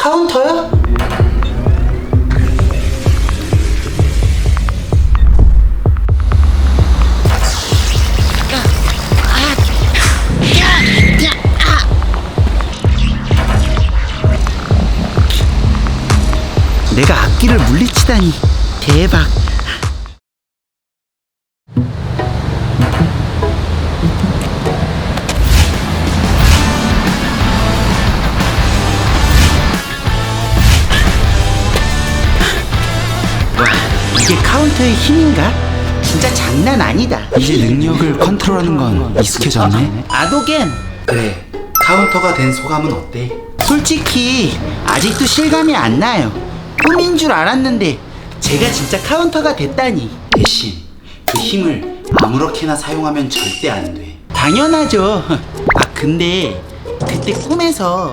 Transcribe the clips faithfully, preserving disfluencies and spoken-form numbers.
카운터요? 내가 악기를 물리치다니 대박. 와, 이게 카운터의 힘인가? 진짜 장난 아니다. 이제 능력을 컨트롤하는 건 익숙해졌네. 아도겐. 그래, 카운터가 된 소감은 어때? 솔직히 아직도 실감이 안 나요. 꿈인 줄 알았는데 제가 진짜 카운터가 됐다니. 대신 그 힘을 아무렇게나 사용하면 절대 안 돼. 당연하죠. 아 근데 그때 꿈에서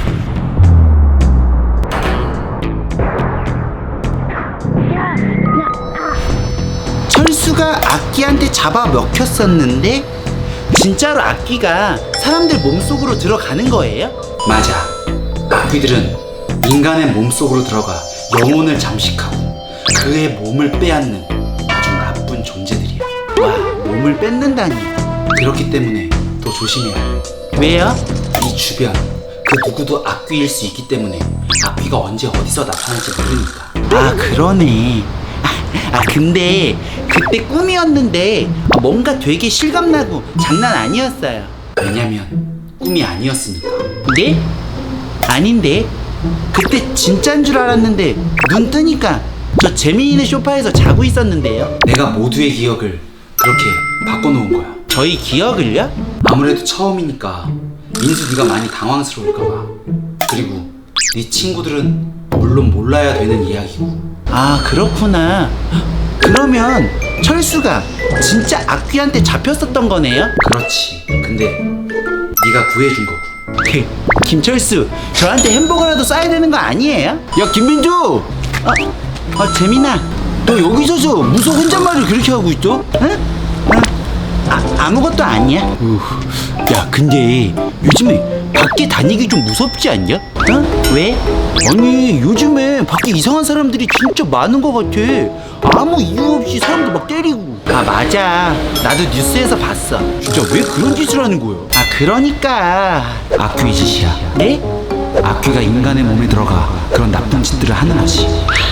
철수가 악기한테 잡아 먹혔었는데 진짜로 악기가 사람들 몸속으로 들어가는 거예요? 맞아. 악귀들은 인간의 몸속으로 들어가 영혼을 잠식하고 그의 몸을 빼앗는 아주 나쁜 존재들이야. 와, 몸을 뺏는다니. 그렇기 때문에 더 조심해야 해. 왜요? 이 주변 그 누구도 악귀일 수 있기 때문에 악귀가 언제 어디서 나타날지 모르니까. 아 그러네. 아, 아 근데 그때 꿈이었는데 뭔가 되게 실감나고 장난 아니었어요. 왜냐면 꿈이 아니었으니까. 네? 아닌데 그때 진짠 줄 알았는데 눈 뜨니까 저 재미있는 소파에서 자고 있었는데요. 내가 모두의 기억을 그렇게 바꿔놓은 거야. 저희 기억을요? 아무래도 처음이니까 민수 네가 많이 당황스러울까봐. 그리고 네 친구들은 물론 몰라야 되는 이야기고. 아 그렇구나. 그러면 철수가 진짜 악귀한테 잡혔었던 거네요? 그렇지. 근데 네가 구해준 거고. 김철수, 저한테 햄버거라도 싸야 되는 거 아니에요? 야 김민주! 어, 어 재민아, 너 여기 서서 무슨 혼잣말을 그렇게 하고 있어? 응? 어? 아, 아무것도 아니야. 우, 야 근데 요즘에 밖에 다니기 좀 무섭지 않냐? 어? 왜? 아니 요즘에 밖에 이상한 사람들이 진짜 많은 것 같아. 아무 이유 없이 사람들 막 때리고. 아 맞아, 나도 뉴스에서 봤어. 진짜 왜 그런 짓을 하는 거야? 아 그러니까 악귀의 짓이야. 네? 악귀가 인간의 몸에 들어가 그런 나쁜 짓들을 하는 거지.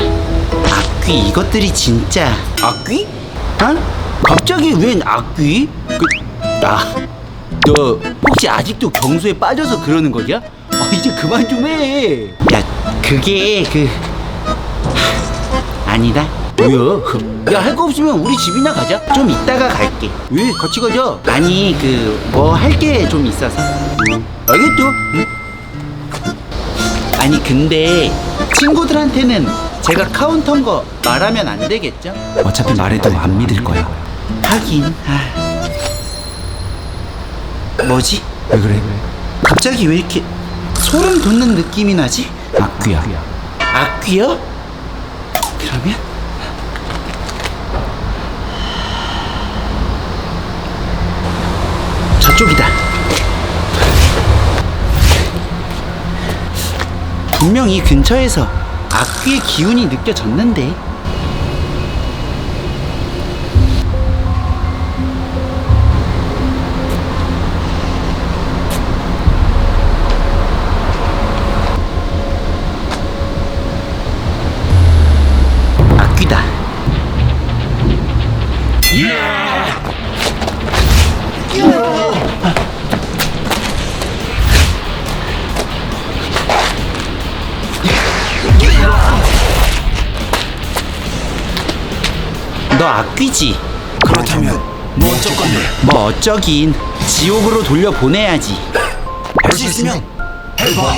악귀 이것들이 진짜 악귀? 어? 갑자기 웬 악귀? 그, 아, 너 혹시 아직도 경수에 빠져서 그러는 거냐? 아 이제 그만 좀 해. 야 그게 그 하, 아니다. 뭐야? 야 할 거 없으면 우리 집이나 가자. 좀 이따가 갈게. 왜? 같이 가자. 아니 그 뭐 할 게 좀 있어서. 응. 알겠죠? 응? 아니 근데 친구들한테는 제가 카운터인 거 말하면 안 되겠죠? 어차피 말해도 안 믿을 거야. 하긴. 아. 뭐지? 왜 그래? 갑자기 왜 이렇게 소름 돋는 느낌이 나지? 악귀야. 악귀요? 그러면 저쪽이다. 분명히 근처에서 악귀의 기운이 느껴졌는데. 악귀다. 너 악귀지? 그렇다면 뭐 어쩔 건데? 뭐 어쩌긴 지옥으로 돌려보내야지. 할 수 있으면 해봐.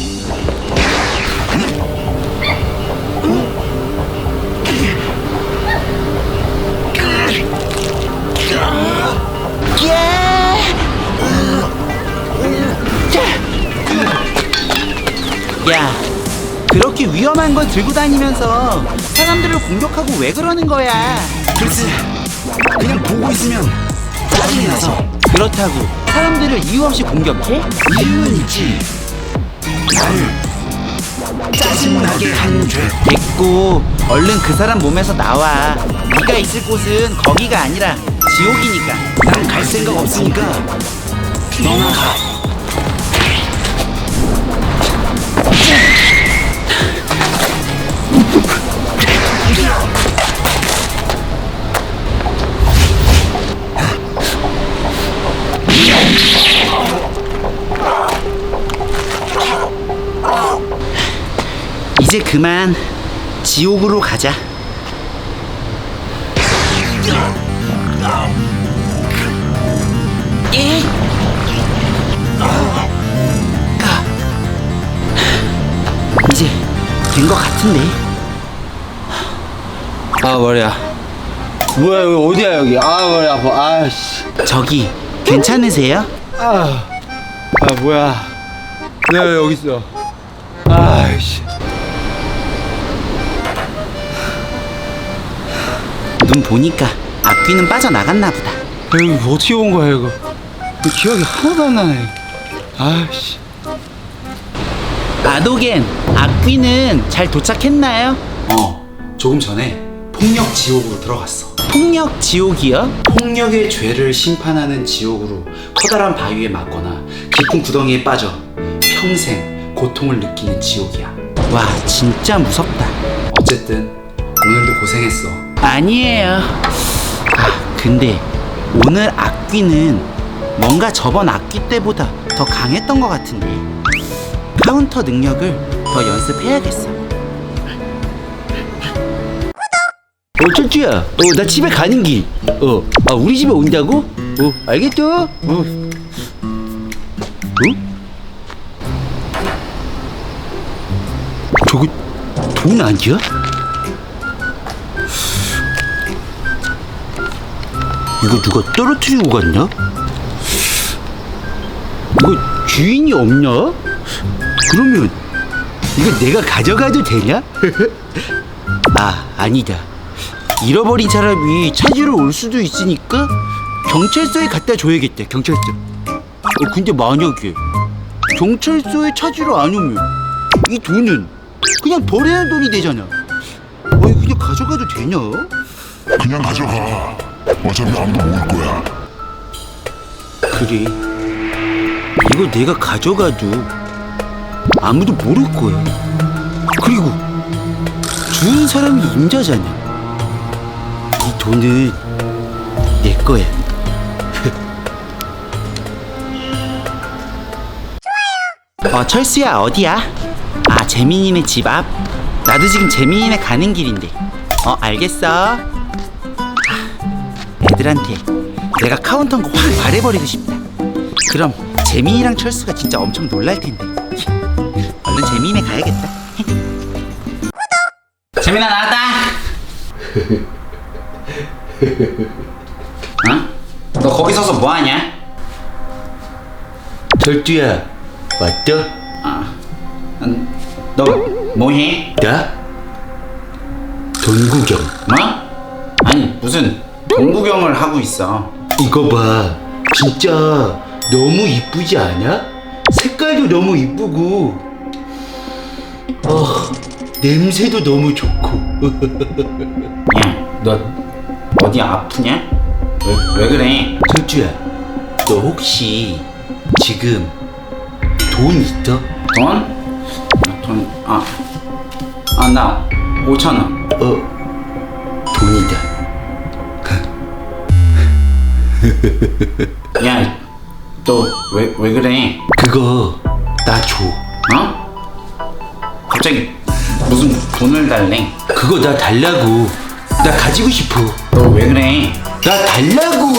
야, 그렇게 위험한 걸 들고 다니면서 사람들을 공격하고 왜 그러는 거야? 글쎄, 그냥 보고 있으면 짜증이 나서. 그렇다고 사람들을 이유 없이 공격해? 이유는 있지. 나를 짜증 신나게 한 죄. 됐고 얼른 그 사람 몸에서 나와. 네가 있을 곳은 거기가 아니라 지옥이니까. 난 갈 생각 없으니까 너나 가. 이제 그만 지옥으로 가자. 예? 이제 된 것 같은데. 아 머리야. 뭐야 여기 어디야 여기? 아 머리 아파. 아씨. 저기 괜찮으세요? 아, 아 뭐야? 내가 왜 여기 있어? 아이씨. 눈 보니까 앞귀는 빠져나갔나 보다. 이거 어떻게 온 거야 이거? 이거 기억이 하나도 안 나네. 아이씨. 아도겐, 앞귀는 잘 도착했나요? 어, 조금 전에 폭력 지옥으로 들어갔어. 폭력 지옥이요? 폭력의 죄를 심판하는 지옥으로 커다란 바위에 맞거나 깊은 구덩이에 빠져 평생 고통을 느끼는 지옥이야. 와, 진짜 무섭다. 어쨌든 오늘도 고생했어. 아니에요. 아, 근데 오늘 악귀는 뭔가 저번 악귀 때보다 더 강했던 것 같은데 카운터 능력을 더 연습해야겠어. 어, 철주야. 어, 나 집에 가는 길. 어, 아, 우리 집에 온다고? 어, 알겠죠? 어. 어? 저거 돈 아니야? 이거 누가 떨어뜨리고 갔나? 이거 주인이 없냐? 그러면 이거 내가 가져가도 되냐? 아, 아니다. 잃어버린 사람이 찾으러 올 수도 있으니까 경찰서에 갖다 줘야겠다. 경찰서. 어, 근데 만약에 경찰서에 찾으러 안 오면 이 돈은 그냥 버려야 하는 돈이 되잖아. 어, 그냥 가져가도 되냐? 그냥 가져가. 어차피 아무도 모를 거야. 그래. 이거 내가 가져가도 아무도 모를 거야. 그리고 주운 사람이 임자잖아. 이 돈은 내 거야. 좋아요. 어, 철수야, 어디야? 아, 재민이네 집 앞. 나도 지금 재민이네 가는 길인데. 어, 알겠어. 아, 애들한테 내가 카운터인 거 확 말해버리고 싶다. 그럼 재민이랑 철수가 진짜 엄청 놀랄 텐데. 얼른 재민이네 가야겠다. 재민아 나왔다. 어? 너 거기 서서 뭐 하냐? 철두야, 왔다? 아, 음, 너 뭐해? 나? 돈 구경. 뭐? 아니 무슨 동구경을 하고 있어. 이거 봐. 진짜 너무 이쁘지 않아? 색깔도 너무 이쁘고 어, 냄새도 너무 좋고. 야, 너 어디 아프냐? 왜, 왜 그래? 철주야, 너 혹시 지금 돈 있어? 돈? 돈, 아, 아, 나 오천 원. 어, 돈이다. 야, 너 왜, 왜 그래? 그거 나 줘. 어? 갑자기 무슨 돈을 달래? 그거 나 달라고. 나 가지고 싶어. 너 왜 그래? 나 달라고.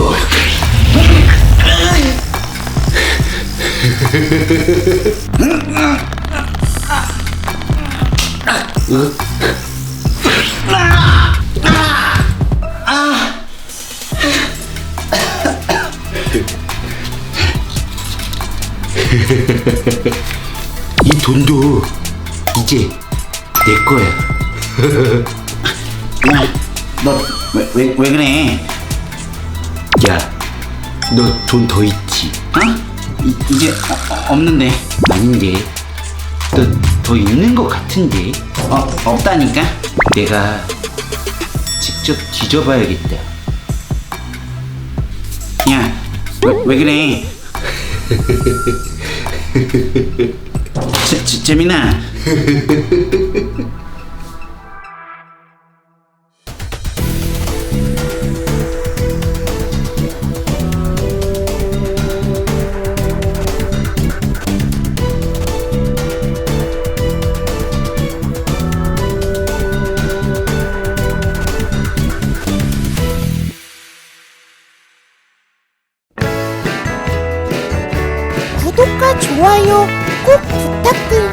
이 돈도 이제 내 거야. 야, 너 왜, 왜, 왜 그래? 야, 너 돈 더 있지? 어? 이, 이제 어, 어, 없는데. 아닌데, 너 더 있는 것 같은데. 어, 없다니까? 내가 직접 뒤져봐야겠다. 야, 왜, 왜 그래? 재, 재, 재민아. 구독과 좋아요 꼭 부탁드려요.